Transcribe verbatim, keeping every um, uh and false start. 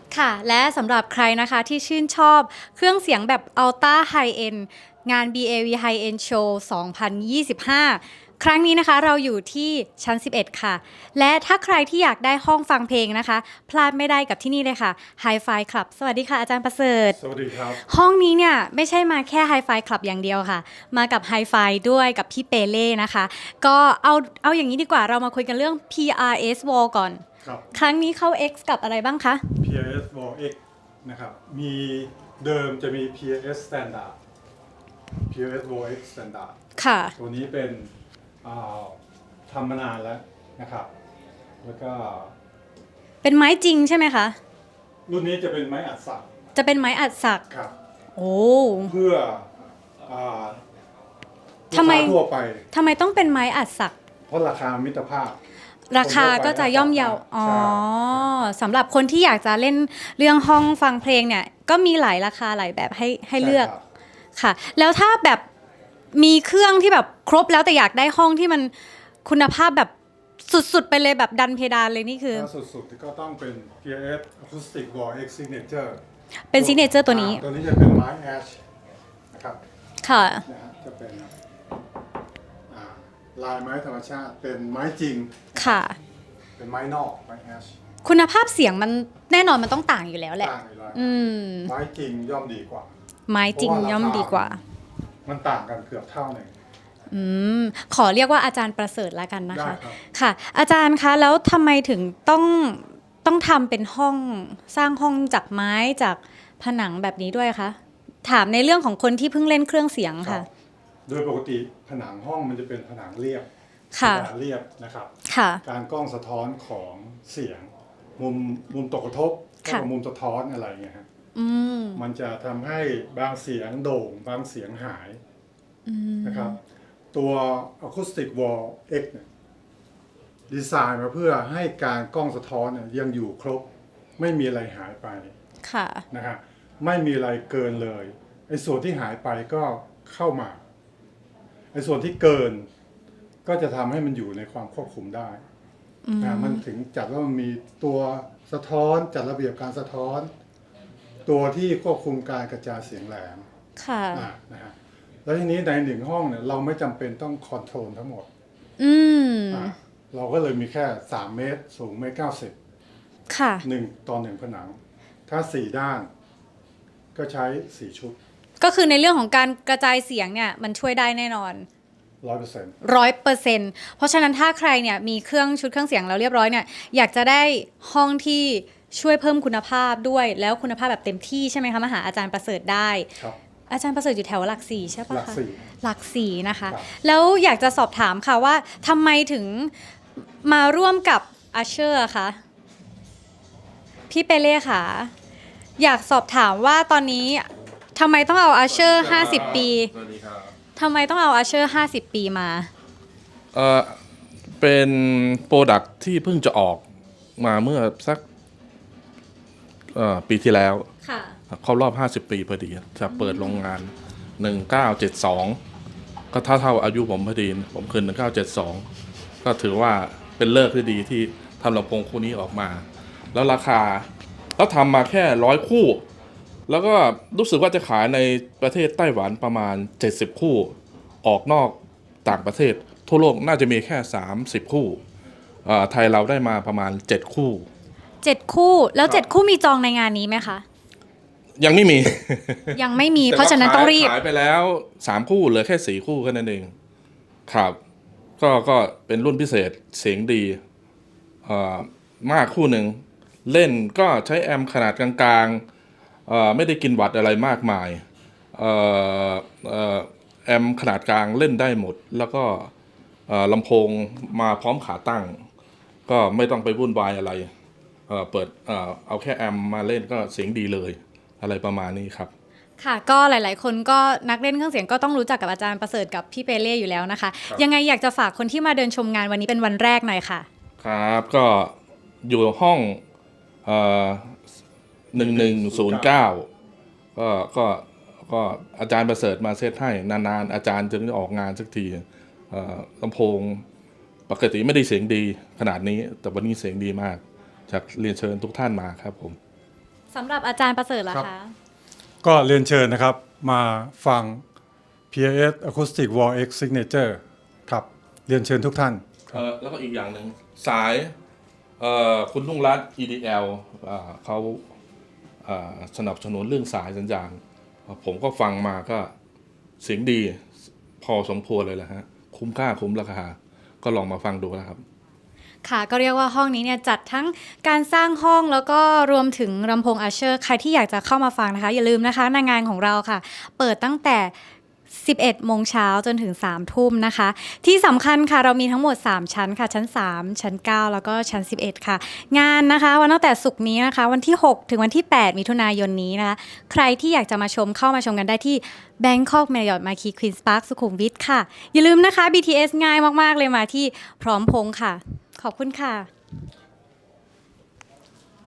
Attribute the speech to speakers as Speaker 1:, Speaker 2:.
Speaker 1: ค่ะและสำหรับใครนะคะที่ชื่นชอบเครื่องเสียงแบบ Ultra High End งาน บี เอ วี High End Show สองพันยี่สิบห้า ครั้งนี้นะคะเราอยู่ที่ชั้น สิบเอ็ด ค่ะและถ้าใครที่อยากได้ห้องฟังเพลงนะคะพลาดไม่ได้กับที่นี่เลยค่ะ Hi-Fi Club สวัสดีค่ะอาจารย์ประเสริฐ
Speaker 2: สวัสดีครับ
Speaker 1: ห้องนี้เนี่ยไม่ใช่มาแค่ Hi-Fi Club อย่างเดียวค่ะมากับ Hi-Fi ด้วยกับพี่เปเล่นะคะก็เอาเอาอย่างนี้ดีกว่าเรามาคุยกันเรื่อง พี อาร์ เอส Wall ก่อน
Speaker 2: ครับ
Speaker 1: ครั้งนี้เข้า X กับอะไรบ้างคะ
Speaker 2: พี อาร์ เอส Wall X นะครับมีเดิมจะมี พี อาร์ เอส Standard พี อาร์ เอส Wall X Standard
Speaker 1: ค่ะ
Speaker 2: ตัวนี้เป็นอ่าทำมานานแล้วนะครับแล้วก็
Speaker 1: เป็นไม้จริงใช่ไหมคะ
Speaker 2: รุ่นนี้จะเป็นไม้อัดสัก
Speaker 1: จะเป็นไม้อัดสัก
Speaker 2: ครับ
Speaker 1: โอ้
Speaker 2: เพื่ออ่าลูก
Speaker 1: ทำไม
Speaker 2: ค้าทั่วไป
Speaker 1: ทำไมต้องเป็นไม้อัดสัก
Speaker 2: เพราะราคามิตรภาพ
Speaker 1: ราคาก็จะย่อมเยาอ๋อ
Speaker 2: ใช่
Speaker 1: สำหรับคนที่อยากจะเล่นเรื่องห้องฟังเพลงเนี่ย ก็มีหลายราคาหลายแบบให้ให้เลือก
Speaker 2: ใช่ครับ
Speaker 1: ค่ะ แล้วถ้าแบบมีเครื่องที่แบบครบแล้วแต่อยากได้ห้องที่มันคุณภาพแบบสุดๆไปเลยแบบดันเพดานเลยนี่คือ
Speaker 2: ถ้าสุดๆก็ต้องเป็น พี อาร์ เอส Acoustic Wall X Signature
Speaker 1: เป็นซิกเนเจอร์ตัวนี้
Speaker 2: อ่าตัวนี้จะเป็นไม้แอชนะครับ
Speaker 1: ค่ะ
Speaker 2: นะฮะจะเป็นอ่าลายไม้ธรรมชาติเป็นไม้จริง
Speaker 1: ค่ะ
Speaker 2: เป็นไม้นอกไม้แอช
Speaker 1: คุณภาพเสียงมันแน่นอนมันต้องต่างอยู่แล้วแหละ
Speaker 2: ต่างอยู่แล้ว
Speaker 1: อืม
Speaker 2: ไม้จริงย่อมดีกว่า
Speaker 1: ไม้จริงย่อมดีกว่า
Speaker 2: มันต่างกันเกือบเท่าหนึ่ง
Speaker 1: อืมขอเรียกว่าอาจารย์ประเสริฐแล้วกันนะคะ
Speaker 2: ได้ครับ
Speaker 1: ค่ะ อาจารย์คะแล้วทำไมถึงต้องต้องทำเป็นห้องสร้างห้องจากไม้จากผนังแบบนี้ด้วยคะถามในเรื่องของคนที่เพิ่งเล่นเครื่องเสียง
Speaker 2: ครั
Speaker 1: ค่ะ
Speaker 2: บโดยปกติผนังห้องมันจะเป็นผนังเรียบ
Speaker 1: ค่ะ
Speaker 2: กระดานเรียบนะครับ
Speaker 1: ค่ะ
Speaker 2: การกล้องสะท้อนของเสียงมุมมุมตกกระทบ
Speaker 1: ค่ะ
Speaker 2: กับมุมสะท้อนอะไรเงี้ยฮะ
Speaker 1: อืม
Speaker 2: มันจะทำให้บางเสียงโด่งบางเสียงหายนะครับตัว Acoustic Wall X เนี่ยดีไซน์มาเพื่อให้การกล้องสะท้อนเนี่ยยังอยู่ครบไม่มีอะไรหายไป
Speaker 1: ค่ะ
Speaker 2: นะฮะไม่มีอะไรเกินเลยไอ้ส่วนที่หายไปก็เข้ามาไอ้ส่วนที่เกินก็จะทำให้มันอยู่ในความควบคุมได้นะมันถึงจัดว่ามันมีตัวสะท้อนจัดระเบียบการสะท้อน ตัวที่ควบคุมการกระจายเสียงแหลม
Speaker 1: ค่ะ
Speaker 2: อ่านะฮะแล้วทีนี้ในหนึ่งห้องเนี่ยเราไม่จำเป็นต้องคอนโทรลทั้งหมด
Speaker 1: อืม
Speaker 2: อ่าเราก็เลยมีแค่สามเมตรสูงเมตรเก้าสิบ
Speaker 1: ค่ะ
Speaker 2: หนึ่งต่อหนึ่งผนัง ถ้าสี่ด้านก็ใช้สี่ชุด
Speaker 1: ก็คือในเรื่องของการกระจายเสียงเนี่ยมันช่วยได้แน่นอน
Speaker 2: ร้อยเปอร์เซ็นต์
Speaker 1: ร้อยเปอร์เซ็นต์เพราะฉะนั้นถ้าใครเนี่ยมีเครื่องชุดเครื่องเสียงแล้วเรียบร้อยเนี่ยอยากจะได้ห้องที่ช่วยเพิ่มคุณภาพด้วยแล้วคุณภาพแบบเต็มที่ใช่ไหมคะมาหาอาจารย์ประเสริฐได้
Speaker 2: ครับ
Speaker 1: อาจารย์ประเสริฐอยู่แถวหลักสี่ใช่ปะ
Speaker 2: หลัก
Speaker 1: คะ
Speaker 2: สี่
Speaker 1: หลักสี่นะคะ
Speaker 2: ครับ
Speaker 1: แล้วอยากจะสอบถามค่ะว่าทำไมถึงมาร่วมกับอาเชอร์คะพี่เปเล่ค่ะอยากสอบถามว่าตอนนี้ทำไมต้องเอาอาเชอร์ห้าสิบปี
Speaker 3: สวัสดีครับ
Speaker 1: ทำไมต้องเอาอาเชอร์ห้าสิบปีมา
Speaker 3: เอ่อเป็นโปรดักที่เพิ่งจะออกมาเมื่อสักเอ่อปีที่แล้ว
Speaker 1: ค่ะ
Speaker 3: ครบรอบห้าสิบปีพอดีจะเปิดโรงงานหนึ่งเก้าเจ็ดสองก็เท่าเท่าอายุผมพอดีผมคืนหนึ่งเก้าเจ็ดสองก็ถือว่าเป็นเลิกที่ดีที่ทำลำโพงคู่นี้ออกมา แล้วราคาแล้วทำมาแค่ร้อยคู่ แล้วก็รู้สึกว่าจะขายในประเทศไต้หวันประมาณเจ็ดสิบคู่ออกนอกต่างประเทศทั่วโลกน่าจะมีแค่สามสิบคู่เอ่อไทยเราได้มาประมาณเจ็ดคู่
Speaker 1: เจ็ดคู่แล้ว
Speaker 3: ครับ
Speaker 1: เจ็ดคู่มีจองในงานนี้ไหมคะ
Speaker 3: ยังไม่มี
Speaker 1: ยังไม่มี
Speaker 3: แต่
Speaker 1: เพราะฉะนั้นต้องรีบ
Speaker 3: ขายไปแล้วสามคู่เหลือแค่สี่คู่แค่นั้นเองครับก็ก็เป็นรุ่นพิเศษเสียงดีเอ่อมากคู่หนึ่งเล่นก็ใช้แอมป์ขนาดกลางๆเอ่อไม่ได้กินวัตต์อะไรมากมายเอ่อเอ่อแอมป์ขนาดกลางเล่นได้หมด แล้วก็เอ่อลำโพงมาพร้อมขาตั้ง ก็ไม่ต้องไปวุ่นวายอะไรเอ่อเปิดเอ่อเอาแค่แอมป์มาเล่นก็เสียงดีเลยอะไรประมาณนี้ครับ
Speaker 1: ค่ะก็หลายๆ คนก็นักเล่นเครื่องเสียงก็ต้องรู้จักกับอาจารย์ประเสริฐกับพี่เปเล่อยู่แล้วนะคะ
Speaker 3: ครับ
Speaker 1: ยังไงอยากจะฝากคนที่มาเดินชมงานวันนี้เป็นวันแรกหน่อยค่ะ
Speaker 3: ครับก็อยู่ห้องเอ่อหนึ่งหนึ่งศูนย์เก้าก็ก็ก็อาจารย์ประเสริฐมาเซตให้นานๆอาจารย์จึงออกงานสักทีเอ่อลำโพงปกติไม่ได้เสียงดีขนาดนี้แต่วันนี้เสียงดีมากจากเรียนเชิญทุกท่านมาครับผม
Speaker 1: สำหรับอาจารย์ประเสริฐล่ะ
Speaker 2: ครับ
Speaker 1: คะ
Speaker 2: ก็เรียนเชิญนะครับมาฟัง พี เอ เอส Acoustic Wall X Signature ครับเรียนเชิญทุกท่าน
Speaker 3: เออแล้วก็อีกอย่างหนึ่งสายเอ่อคุณลุงรัตน์ อี ดี แอล อ่าเขาอ่าสนับสนุนเรื่องสายสัญญาณ ผมก็ฟังมาก็เสียงดีพอสมควรเลยแหละฮะ คุ้มค่าคุ้มราคา ก็ลองมาฟังดูนะครับ
Speaker 1: ค่ะก็เรียกว่าห้องนี้เนี่ยจัดทั้งการสร้างห้องแล้วก็รวมถึงลำโพงอัชเชอร์ใครที่อยากจะเข้ามาฟังนะคะ อย่าลืมนะคะในงานของเราค่ะ เปิดตั้งแต่ สิบเอ็ดโมงเช้าจนถึงสามทุ่มนะคะ ที่สำคัญค่ะเรามีทั้งหมดสามชั้นค่ะ ชั้นสามชั้นเก้าแล้วก็ชั้นสิบเอ็ดค่ะ งานนะคะวันตั้งแต่ศุกร์นี้นะคะ วันที่หกถึงวันที่แปดมิถุนายนนี้นะคะ ใครที่อยากจะมาชมเข้ามาชมกันได้ที่ Bangkok Marriott Marquis Queen's Park สุขุมวิทค่ะ อย่าลืมนะคะ บี ที เอส ง่ายมากๆเลยมาที่พร้อมพงษ์ค่ะ ขอบคุณค่ะ